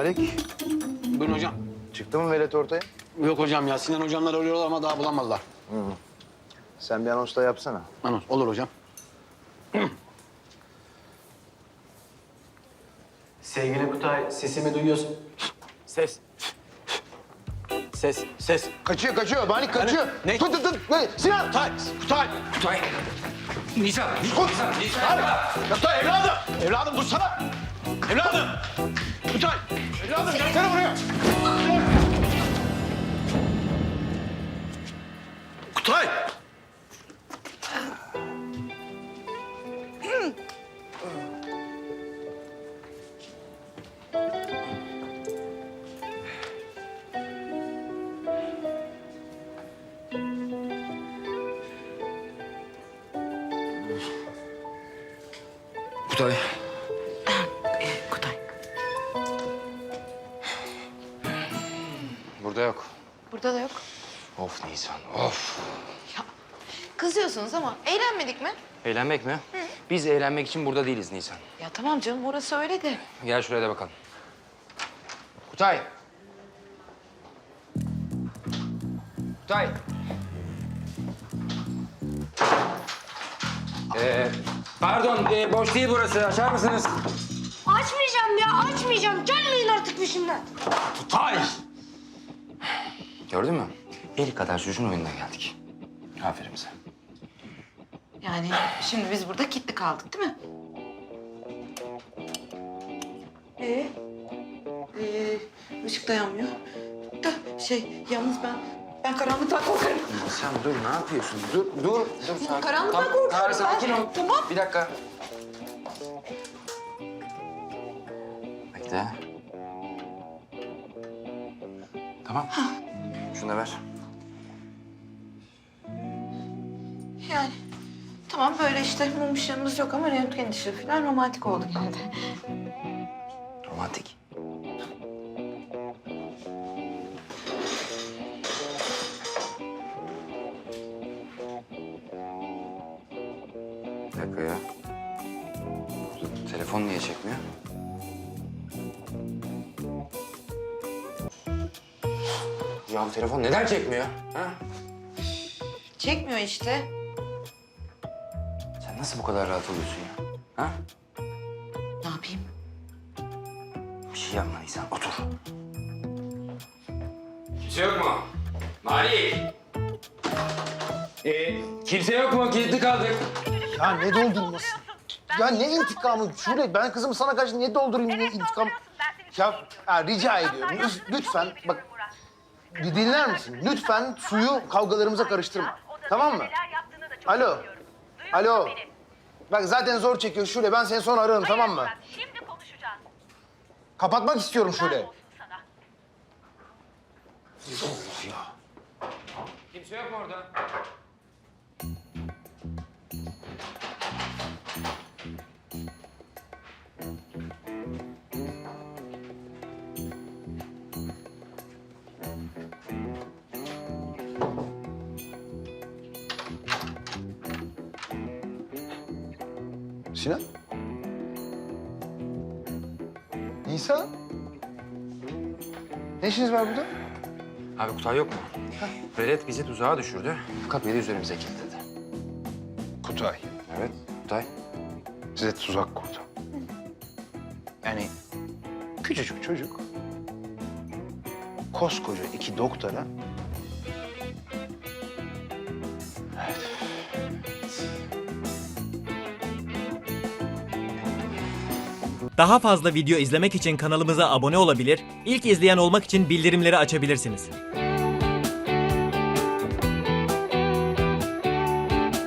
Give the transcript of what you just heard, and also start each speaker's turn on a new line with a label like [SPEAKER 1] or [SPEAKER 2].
[SPEAKER 1] Malik,
[SPEAKER 2] Buyurun hocam.
[SPEAKER 1] çıktı mı velet ortaya?
[SPEAKER 2] Yok hocam ya, Sinan hocamlar arıyorlar ama daha bulamadılar.
[SPEAKER 1] Sen bir anons da yapsana.
[SPEAKER 2] Anons, olur hocam. Sevgili Kutay, sesimi duyuyorsun. Ses. Ses.
[SPEAKER 1] Kaçıyor. Malik kaçıyor.
[SPEAKER 2] Ne?
[SPEAKER 1] Tut. Sinan!
[SPEAKER 2] Kutay. Nisan.
[SPEAKER 1] Kutay evladım!
[SPEAKER 2] Evladım dursana. Evladım. Kutay. Evladım gelsene buraya. Kutay.
[SPEAKER 3] Kutay.
[SPEAKER 4] Kutay.
[SPEAKER 3] Burada yok.
[SPEAKER 4] Burada da yok.
[SPEAKER 3] Of Nisan, of.
[SPEAKER 4] Kızıyorsunuz ama eğlenmedik mi?
[SPEAKER 3] Eğlenmek mi? Biz eğlenmek için burada değiliz Nisan.
[SPEAKER 4] Ya tamam canım orası öyle de.
[SPEAKER 3] Gel şuraya da bakalım. Kutay. Kutay. Pardon, boş değil burası. Açar mısınız?
[SPEAKER 5] Açmayacağım ya, açmayacağım. Gelmeyin artık peşimden.
[SPEAKER 3] Kutay! Gördün mü? El kadar çocuğun oyununa geldik. Aferin bize.
[SPEAKER 4] Yani şimdi biz burada kilitli kaldık değil mi? Işık da yanmıyor. Da yalnız ben karanlıktan korkarım.
[SPEAKER 3] Sen dur, ne yapıyorsun? Dur. Sakin.
[SPEAKER 4] Karanlıktan korkuyorum ben.
[SPEAKER 3] Sakin ol.
[SPEAKER 4] Tamam.
[SPEAKER 3] Bir dakika. Bekle. Tamam. Şunu da ver.
[SPEAKER 4] Yani tamam böyle işte mum ışığımız yok ama röntgen ışığı falan romantik oldu gene de.
[SPEAKER 3] Romantik. Bir dakika ya. Telefon niye çekmiyor? Ya bu telefon neden çekmiyor? Ha?
[SPEAKER 4] Çekmiyor işte.
[SPEAKER 3] Sen nasıl bu kadar rahat oluyorsun ya? Ha?
[SPEAKER 4] Ne yapayım?
[SPEAKER 3] Bir şey yapma Nisan, otur. Kimse yok mu? Malik! Kimse yok mu? Kilitli kaldık.
[SPEAKER 1] Ya ne doldurması? Ya ne intikamı? Şule ben kızımı sana karşı niye doldurayım, ne intikam? Ya rica ediyorum lütfen bak bir dinler misin? Lütfen suyu kavgalarımıza karıştırma. Tamam mı? Alo. Bak zaten zor çekiyor Şule. Ben seni sonra ararım tamam mı?
[SPEAKER 6] Şimdi konuşacağız.
[SPEAKER 1] Kapatmak istiyorum Şule.
[SPEAKER 6] Sana.
[SPEAKER 3] Kimse yok mu orada?
[SPEAKER 1] Sinan? Nisan? Ne işiniz var burada?
[SPEAKER 3] Abi Kutay yok mu? Velet bizi tuzağa düşürdü. Kapıyı da üzerimize kilitledi.
[SPEAKER 1] Kutay.
[SPEAKER 3] Evet, Kutay.
[SPEAKER 1] Size tuzak kurdu. Yani küçücük çocuk koskoca iki doktora. Evet.
[SPEAKER 7] Daha fazla video izlemek için kanalımıza abone olabilir, ilk izleyen olmak için bildirimleri açabilirsiniz.